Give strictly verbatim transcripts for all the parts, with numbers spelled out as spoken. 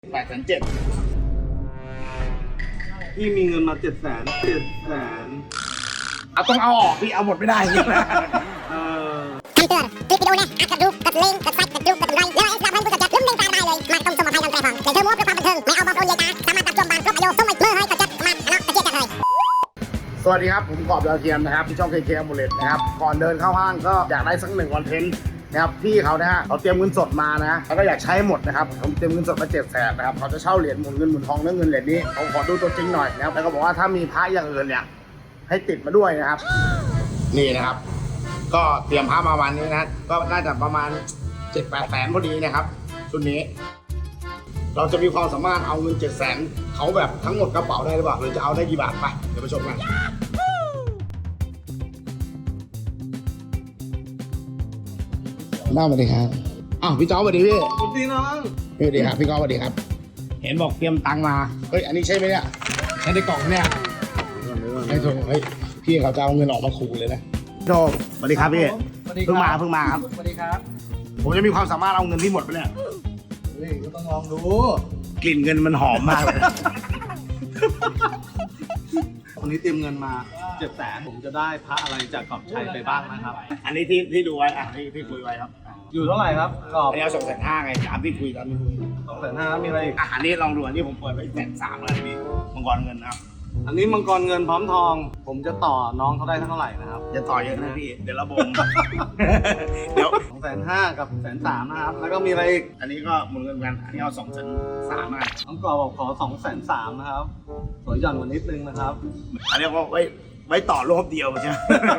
แปดแสนเจ็ดพี่มีเงินมาเจ็ดแสนเจ็ดแสนเอาต้องเอาออกพี่เอาหมดไม่ได้จริงนะเออคำเตือนคลิปวิดีโอนี้อาจกระดูกกระเลงกระซักกระดูกกระดุไรและสนับสนุนผู้จัดลืมเล่นการได้เลยมาต้มสมุนไพรลำไส้ผ่องเสริมเพิ่มมูฟเพื่อความบันเทิงไม่เอาบอลโอนเลยนะสามารถตัดจมบานครบอายุต้องไม่เมื่อให้กระจัดมาเนาะกระเจี๊ยบกันเลยสวัสดีครับผมกอบดาวเทียมนะครับที่ช่อง เค เค Amulet นะครับก่อนเดินเข้าห้างก็อยากได้สักหนึ่งคอนเทนต์นะครับพี่เขานะฮะเขาเตรียมเงินสดมานะแล้วก็อยากใช้หมดนะครับผมเตรียมเงินสดมาเจ็ดแสนนะครับเขาจะเช่าเหรียญหมุนเงินหมุนทองเรื่องเงินเหรียญนี้ผมขอดูตัวจริงหน่อยนะครับแล้วก็บอกว่าถ้ามีพระอย่างอื่นเนี่ยให้ติดมาด้วยนะครับนี่นะครับก็เตรียมพระมาวันนี้นะก็น่าจะประมาณ เจ็ดแปดแสนพอดีนะครับชุดนี้เราจะมีความสามารถเอาเงินเจ็ดแสนเขาแบบทั้งหมดกระเป๋าได้หรือเปล่าหรือจะเอาได้กี่บาทไปเดี๋ยวไปชมกันน้าสวัสดีครับอ้าวพี่จ๊อบสวัสดีพี่สวัสดีน้องสวัสดีครับพี่ก๊อฟสวัสดีครับเห็นบอกเตรียมตังค์มาเฮ้ยอันนี้ใช่ไหมเนี่ยใช่ในกล่องเนี่ยไอ้โถเฮ้ยพี่เขาจะเอาเงินออกมาขู่เลยนะโจสวัสดีครับพี่เพิ่งมาเพิ่งมาครับสวัสดีครับผมจะมีความสามารถเอาเงินที่หมดไปเนี่ยเฮ้ยก็ต้องลองดูกลิ่นเงินมันหอมมากเลยวันนี้เตรียมเงินมาเจ็ดแสนผมจะได้พระอะไรจากกอบชัยไปบ้างนะครับอันนี้ที่ที่ดูไว้อ่ะที่ที่คุยไว้ครับอยู่เท่าไหร่ครับกอบอันนี้เอาสองแสนห้าไงตามที่คุยตามที่คุยสองแสนห้ามีอะไรอีกอ่ะอันนี้ลองดูอันนี้ผมเปิดไว้แสนสามแล้วนี่มังกรเงินนะครับอันนี้มังกรเงินพร้อมทองผมจะต่อน้องเขาได้เท่าไหร่นะครับจะต่อเยอะนะพี่เดี๋ยวระบมเดี๋ยวสองแสนห้ากับแสนสามนะครับแล้วก็มีอะไรอีกอันนี้ก็หมุนเงินกันอันนี้เอาสองแสนสามอ่ะน้องกอบบอกขอสองแสนสามนะครับสวยหย่อนกว่านิดนึงนะครับอันนี้ก็ไว้ไว้ต่อรอบเดียวใช่ไหม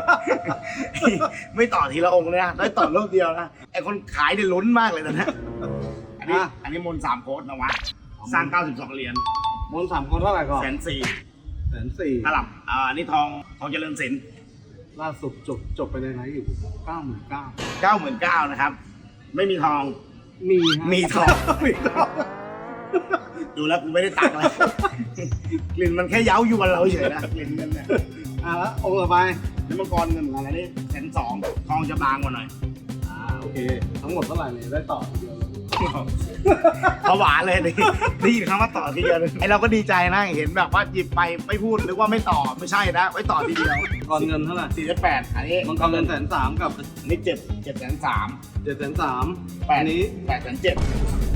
ไม่ต่อทีละองค์เลยนะได้ต่อรอบเดียวนะไอคนขายเนี่ยลุ้นมากเลยตอนนี้อันนี้อันนี้มนสามโค้ดนะวะสร้างเก้าสิบสองเหรียญมนสามโค้ดเท่าไหร่ก่อนแสนสี่แสนสี่ตลับอ่าอันนี้ทองทองเจริญศิลป์ล่าสุดจบจบไปในไหนอยู่เก้าหมื่นเก้าเก้าหมื่นเก้านะครับไม่มีทองมีมีทองมีทองดูแล้วกูไม่ได้ตังค์เลยกลิ่นมันแค่เย้าอยู่กับเราเฉยนะกลิ่นเงินเนี่ยอ่ะแล้วองค์ต่อไปนี่มังกรเงินอะไรนี่แสนสองทองจะบางกว่าหน่อยอ่าโอเคทั้งหมดเท่าไหร่เนี่ยได้ต่อทีเดียวเขาหวานเลยนี่ได้ยินคำว่าต่อทีเดียวไอเราก็ดีใจนะเห็นแบบว่าหยิบไปไม่พูดหรือว่าไม่ต่อไม่ใช่นะไว้ต่อทีเดียวก่อนเงินเท่าไหร่สี่สิบแปดอันนี้มังกรเงินแสนสามกับอันนี้เจ็ดเจ็ดแสนสามเจ็ดแสนสามแปดนี้แปดแสนเจ็ด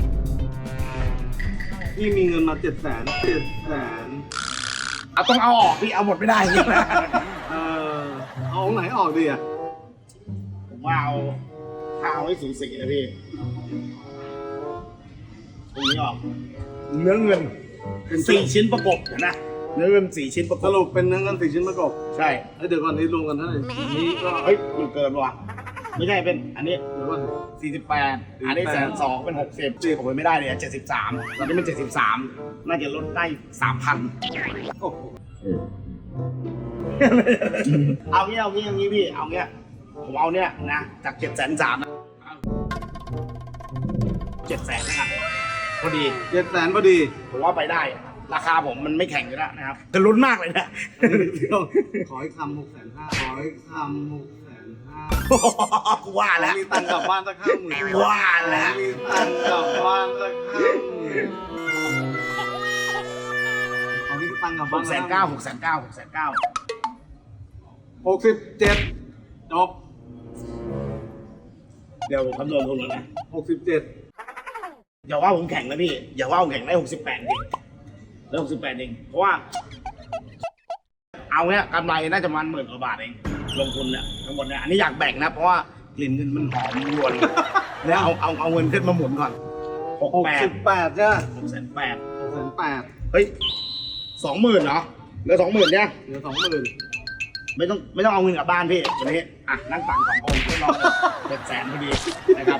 พี่มีเงินมาเจ็ดแสนเจ็ดแสนเอาต้องเอาออกพี่เอาหมดไม่ได้จริงนะเออเอาไหนออกดีอ่ะผมว่าเอาถ้าเอาให้สูสีนะพี่ตรงนี้ออกเนื้อเงินเป็นสี่ชิ้นประกบเห็นไหมเนื้อเงินสี่ชิ้นประกบสรุปเป็นเนื้อเงินสี่ชิ้นประกบใช่เดี๋ยวก่อนนี้รวมกันเท่าไหร่นี้ก็เฮ้ยมันเกินว่ะไม่ใช่เป็นอันนี้เดี๋ยวก่อนสี่สิบแปดอันนี้แสนสองเป็นหกสิบจีผมไม่ได้เลยเจ็ดสิบสามตอนนี้มันเจ็ดสิบสามน่าจะลดได้สามพันโอ้โหเอาเงี้ยเอาเงี้ยเอางี้พี่เอาเงี้ยผมเอาเนี้ยนะจากเจ็ดแสนสามเจ็ดแสนนะครับพอดีเจ็ดแสนพอดีผมว่าไปได้ราคาผมมันไม่แข่งอยู่แล้วนะครับจะลุ้นมากเลยนะขอให้คำหกแสนห้าขอให้คำหกแสนห้ากูว่าแล้วมีตังค์กลับบ้านสักห้าหมื่นว่าแล้วมีตังค์กลับบ้านสักห้าหมื่นขอให้ตังค์กลับบ้านหกแสนเก้าหกแสนเก้าหกแสนเก้าหกสิบเจ็ดจบเดี๋ยวคำนวณทุนแล้วนะหกสิบเจ็ดอย่าว่าผมแข่งนะพี่อย่าว่าผมแข่งได้หกสิบแปดเองได้หกสิบแปดเองเพราะว่าเอาเนี้ยกำไรน่าจะมันหมื่นกว่าบาทเองลงทุนเนี่ยทั้งหมดเนี่ยอันนี้อยากแบ่งนะเพราะว่ากลิ่นเงินมันหอมรวนแล้วเอาเอาเอาเงินขึ้นมาหมุนก่อนหกแปดสิบแปดใช่ไหมหกแสนแปดหกแสนแปดเฮ้ยสองหมื่นเหรอเหลือสองหมื่นเนี่ยเหลือสองหมื่นไม่ต้องไม่ต้องเอาเงินกลับบ้านพี่วันนี้อ่ะนั่งตังสององค์ไม่รอเจ็ดแสนพอดีนะครับ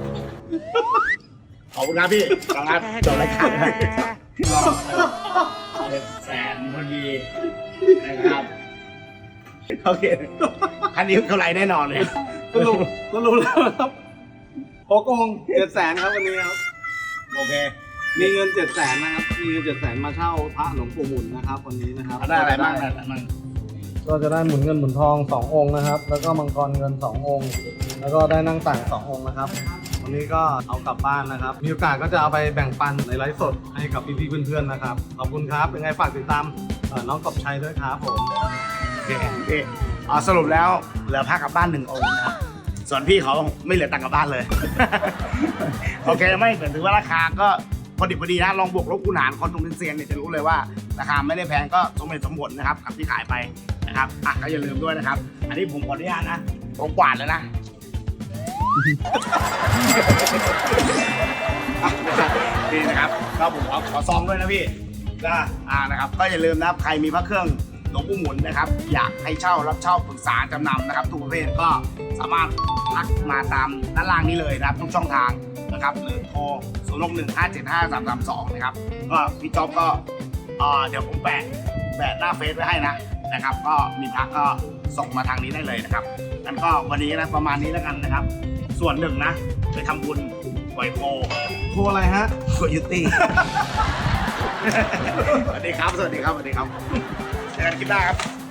ขอบคุณครับพี่ขอบคุณครับจบรายการรอเจ็ดแสนพอดีนะครับโอเคอันนี้เท่าไรแน่นอนเลยก็รู้ก็รู้แล้วครับหกองค์เจ็ดแสนครับวันนี้ครับโอเคมีเงินเจ็ดแสนนะครับมีเงินเจ็ดแสนมาเช่าพระหลวงปู่หมุนนะครับวันนี้นะครับได้อะไรบ้างได้อะไรบ้างก็จะได้หมุนเงินหมุนทองสององค์นะครับแล้วก็มังกรเงินสององค์แล้วก็ได้นั่งต่างสององค์นะครับวันนี้ก็เอากลับบ้านนะครับ มีโอกาสก็จะเอาไปแบ่งปันในไลฟ์สดให้กับพี่ๆเพื่อนๆนะครับขอบคุณครับยังไงฝากติดตามเอ่อน้องกบชัยด้วยครับผมโอเคโอเคอ๋อสรุปแล้วเหลือผ้ากลับบ้านหนึ่งองค์นะส่วนพี่เขาไม่เหลือตังค์กลับบ้านเลย โอเคไม่เหมือนถือว่าราคาก็พอดิบพอดีนะลองบวกลบคูณหารคนตรงเป็นเซียนเนี่ยจะรู้เลยว่าราคาไม่ได้แพงก็สมเหตุสมผลนะครับกับที่ขายไปนะครับอ่ะก็อย่าลืมด้วยนะครับ อันนี้ผมขออนุญาตนะผมกวาดแล้วนะ นี่นะครับก็ผมขอขอซองด้วยนะพี่ก็อ่านะครับก็อย่าลืมนะครับใครมีพระเครื่องหลวงปู่หมุนนะครับอยากให้เช่ารับเช่าปรึกษาจำนำนะครับทุกประเภทก็สามารถทักมาตามด้านล่างนี้เลยนะครับทุกช่องทางนะครับหรือโทรศูนย์ หก หนึ่ง ห้า เจ็ด ห้า สาม สาม สองนะครับก็พี่จ๊อบก็เอ่อเดี๋ยวผมแปะแปะหน้าเฟซไว้ให้นะนะครับก็มีทักก็ส่งมาทางนี้ได้เลยนะครับงั้นก็วันนี้นะประมาณนี้แล้วกันนะครับ ส่วนหนึ่งนะไปทำบุญไหวโพโทรอะไรฮะโคโยตี้ สวัสดีครับ สวัสดีครับ สวัสดีครับเจอกันคลิปหน้าครับ